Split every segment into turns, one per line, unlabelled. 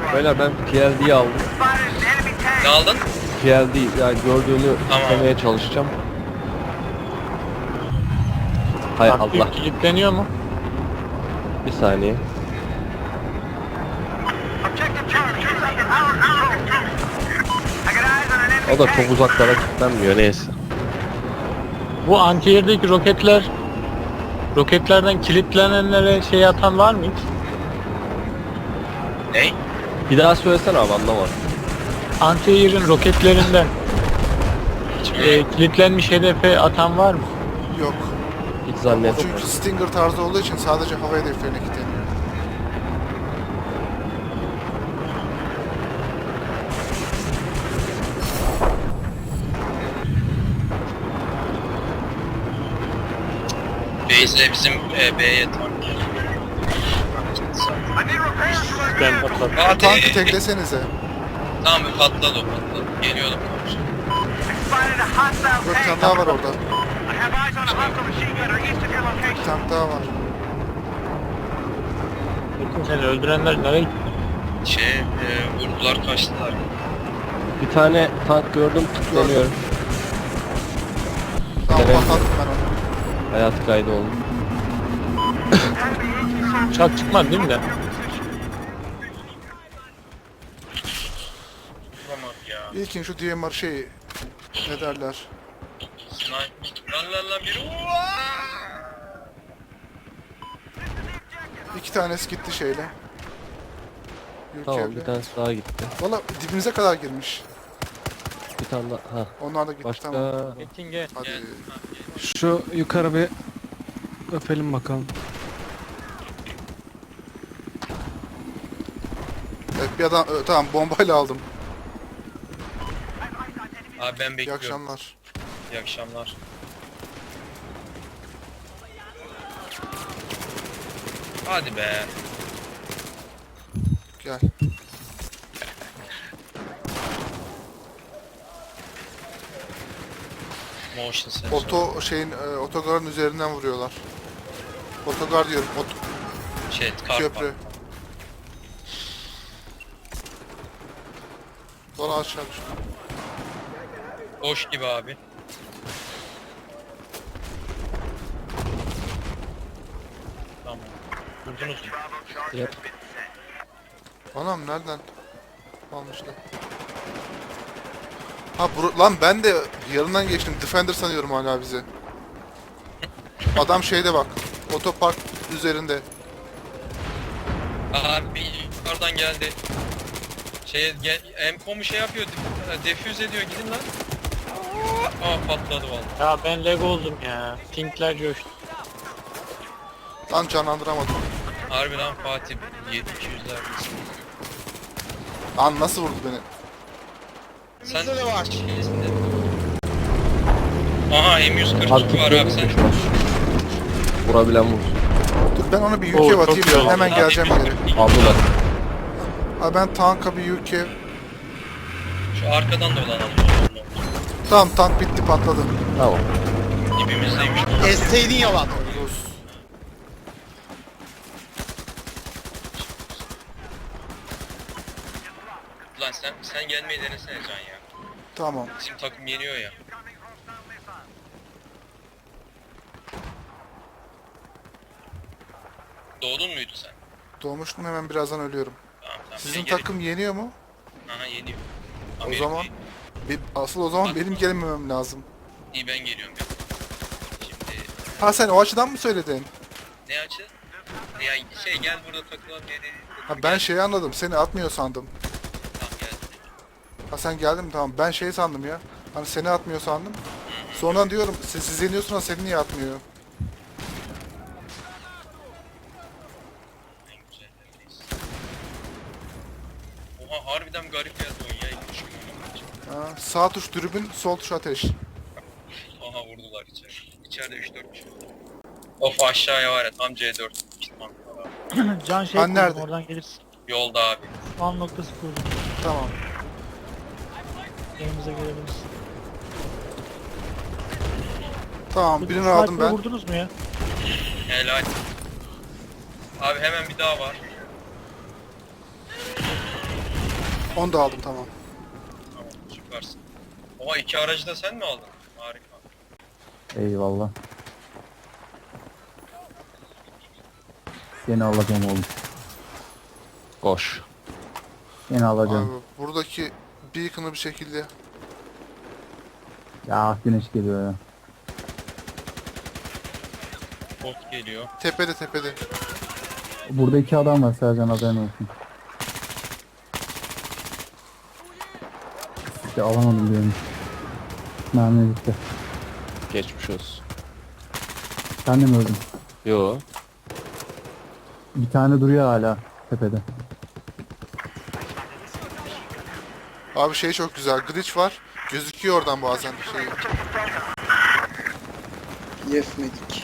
Böyle ben PLD'yi aldım.
Ne aldın?
PLD yani gördüğünü
Tamam.
istemeye çalışacağım. Hay Allah.
Aktif kilitleniyor mu?
Bir saniye. O da çok uzaklara kilitlenmiyor neyse.
Bu anti-air'deki roketlerden kilitlenenlere şey atan var mı hiç?
Ney?
Bir daha söylesene abi anlamadım.
Anti-air'in roketlerinden
Hiç
kilitlenmiş hedefe atan var mı?
Yok.
Hiç
O
zannetmiyorum.
çünkü Stinger tarzı olduğu için sadece hava hedeflerine kilitleniyor.
Base'le bizim B'ye tank.
Ben patladım.
Bu tankı teklesenize.
Tamam mı? Patladı o patladı. Geliyordum.
Yok, bir tane daha var orada. Bir tane daha var.
Bakın seni öldürenler nereye gitti?
Vurdular kaçtılar.
Bir tane tank gördüm kilitleniyorum.
Tamam,
Evet.
patlattım ben onu.
Hayat kaydı oldu.
Uçak çıkmadı değil mi de?
Tamam ya.
İlkin şu DMR şey ne derler?
Sniper. Lan biri.
İki tanesi gitti şeyle.
Tamam
Yürkevle.
bir tanesi daha gitti.
Valla dibimize kadar girmiş.
Bir tane daha. Ha.
Onlar da gitti,
Başka
tamam.
Metin
Hadi.
Gel.
Şu yukarı bir öpelim bakalım.
Evet, bir adam tamam, bombayla aldım.
Abi ben
İyi
bekliyorum.
akşamlar.
İyi akşamlar. Hadi be.
Gel.
Motion sensor.
Otogarın üzerinden vuruyorlar. Otogar diyorum.
Kar
Köprü. Sonra aşağı düştü.
Boş gibi abi. Tamam. Vurdunuz mu?
Yap.
Anam nereden almışlar? Ha lan ben de yanından geçtim. Defender sanıyorum hala bizi. Adam şeyde bak. Otopark üzerinde.
Abi yukarıdan geldi. Emcom'u şey yapıyor, defüz ediyor, gidin lan. Aa patladı vallahi.
Ya ben lag oldum ya. Pinkler coştu.
Lan canlandıramadım.
Harbi lan Fatih 200'ler.
Lan nasıl vurdu beni?
Sen de var. Aha M142
Artık
var abi sen.
var. Vurabilen vur.
Dur ben ona bir
Oo,
UK
çok
atayım
güzel.
ya. Hemen geleceğim geri.
Aldılar.
Abi ben tanka bir UK.
Şu arkadan da dolanalım.
Tamam, tank bitti, patladı.
Tamam.
Dibimizdeymiş.
Esteydin yalan.
Rus.
Lan sen gelmeyi denesene Can ya.
Tamam.
Bizim takım yeniyor ya. Doğdun muydu sen?
Doğmuştum, hemen birazdan ölüyorum.
Tamam.
Sizin
ben gelirim.
takım yeniyor mu?
Aha yeniyor.
O
Amerika
zaman asıl o zaman benim gelmemem lazım.
iyi ben geliyorum ben. Şimdi
Ha sen o açıdan mı söyledin?
ne açı? Ya gel burada takılalım diye.
Ha ben şeyi anladım. Seni atmıyor sandım.
Tamam geldim.
Ha sen geldin mi? Tamam. Ben şey sandım ya. Hani seni atmıyor sandım. Sonra diyorum siz yeniyorsunuz, seni niye atmıyor?
En güzel yerdeyiz. Oha harbiden garip ya oyun ya.
Ha, sağ tuş dürbün, sol tuş ateş.
Aha vurdular içeri. İçeride 3-4 kişi. Of aşağıya var ya tam C4. Gitmem.
Can şey
Ben
kurdum,
nerede?
oradan gelirsin.
Yolda abi.
Spawn noktası kurdum.
Tamam.
Yanımıza gelebiliriz.
Tamam, birini aldım
Sniper'ı
ben.
vurdunuz mu ya?
Helal. Abi hemen bir daha var.
Onu da aldım, tamam.
Tamam süpersin. Oha 2 aracı da sen mi aldın? Harika.
Eyvallah. Seni alacağım oğlum.
Koş.
Seni alacağım.
Abi buradaki beacon'ı bir şekilde...
Ya güneş geliyor ya.
Bot geliyor.
Tepede tepede.
Burada 2 adam var Sercan, haberin olsun. İşte alamadım diyorum. Mermi bitti.
Geçmiş olsun.
Sen de mi öldün?
Yo.
Bir tane duruyor hala tepede.
Abi şey çok güzel, glitch var. Gözüküyor oradan bazen şey.
Yefmedik.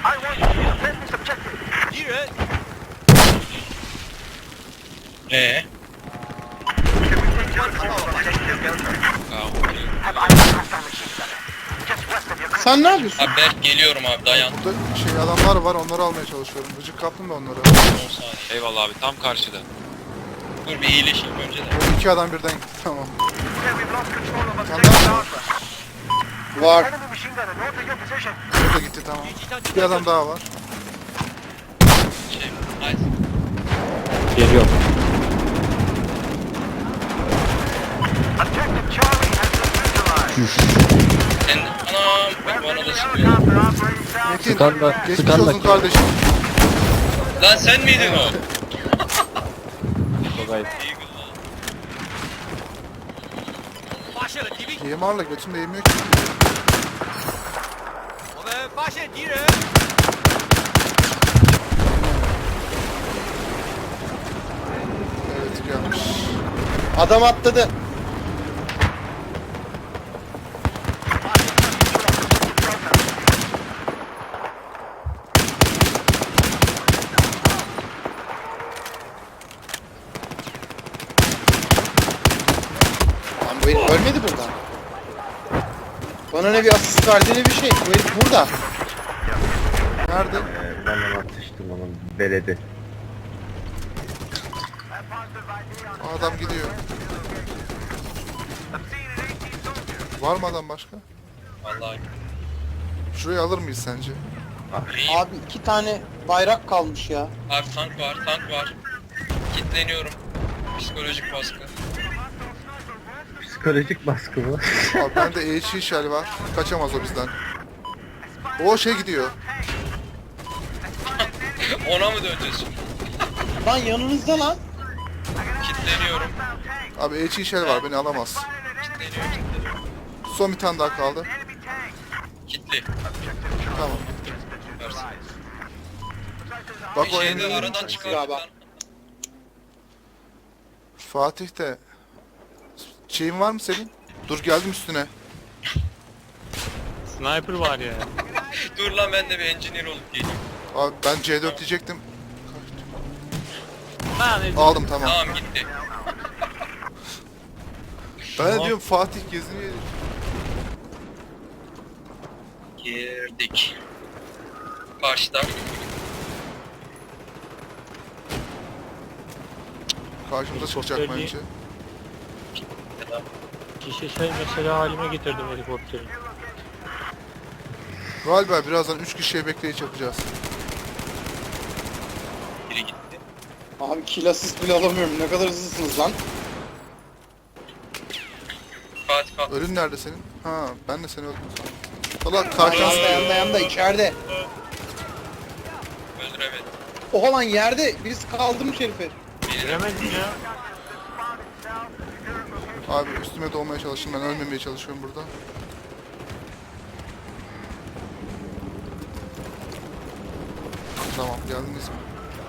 Ee?
Sen ne yapıyorsun?
Abi Berk geliyorum abi dayan.
Burada şey adamlar var, onları almaya çalışıyorum. Gıcık kaptım da onları.
10 saniye.
Eyvallah abi tam karşıda.
Dur bir iyileşeyim önce de.
O 2 adam birden gitti, tamam. Bir tane daha var.
Var.
O da gitti, tamam. Bir adam daha var.
Şey, nice.
Geliyorum.
Sen anam bak bana da sıkıyor.
Metin,
Sıkan da-
geçmiş
sıkan da
olsun
kim?
kardeşim.
Lan sen miydin o?
Togay.
DMR'la götüm değmiyor ki. Evet, gelmiş.
Adam atladı. Lan bu herif ölmedi burada. Bana ne bir asist verdi ne bir şey. Bu herif burada.
Nerede?
Ben de atıştım onun beledi.
O adam gidiyor. Var mı adam başka?
Vallahi.
Şurayı alır mıyız sence?
Abi 2 tane bayrak kalmış ya.
Abi tank var, tank var. Kitleniyorum. Psikolojik baskı.
Psikolojik baskı mı?
Abi bende EHC shell var. Kaçamaz o bizden. O şey gidiyor.
Ona mı döneceğiz şimdi?
Lan yanınızda lan.
Kitleniyorum.
Abi EHC shell var, beni alamaz.
Kitleniyor.
Son bir tane daha kaldı.
Kitli.
Tamam.
Versin.
Bak
Bir
o
şeyi de
en...
aradan çıkardık
Galiba.
lan.
Fatih de... Şeyin var mı senin? Dur geldim üstüne.
Sniper var ya.
Dur lan ben de bir engineer olup geleyim.
Abi ben C4 diyecektim.
Lan
Aldım, tamam.
Tamam gitti.
Ben de diyorum Fatih geziniyor.
Girdik. Karşıda.
Karşımıza çıkacak
Helikopter
bence.
Ya da
kişi şey mesela halime getirdim helikopteri.
Galiba birazdan 3 kişiye bekleyiş yapacağız.
biri gitti.
Abi kill assist bile alamıyorum. Ne kadar hızlısınız lan.
Fatih kalk.
Ölün nerede senin? Ha, ben de seni öldüm sandım. Valla
Yanda
karşıdan
yanda içeride.
Öldüremedim.
Oha lan yerde. Birisi kaldırmış herifi.
Giremedim ya.
Abi üstüme doğmaya çalışın, ben ölmemeye çalışıyorum burada. Tamam, geldiniz mi?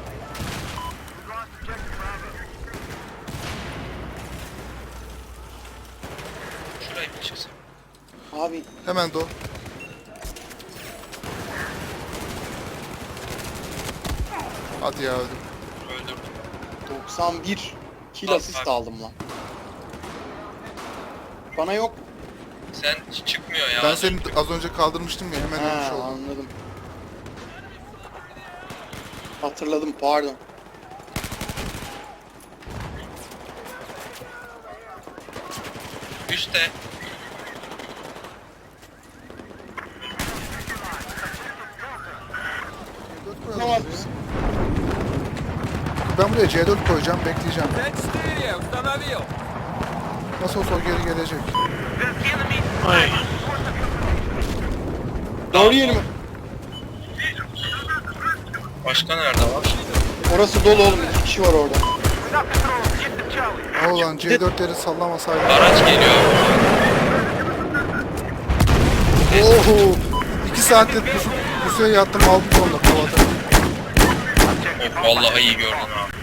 Şurayı bir çıksın.
Abi
Hemen doğ. Hadi ya, öldüm.
Öldürdüm.
91 kill
Al,
assist
al.
aldım lan. Bana yok.
Sen çıkmıyor ya.
Ben seni az önce kaldırmıştım ya, hemen ölmüş
Ha,
oldum.
anladım. Hatırladım, pardon.
üstte.
C4 koyalım buraya. Ben buraya C4 koyacağım, bekleyeceğim. Nasıl olsa o geri gelecek.
Ay.
Doğru yeri mi?
Başka nerede var?
Orası dolu oğlum. 2 kişi var orada.
Ha ulan C4'leri sallamasaydı.
Araç geliyor.
Oho! 2 saattir pusuya yattım aldım sonunda kovada.
Of vallahi iyi gördün abi.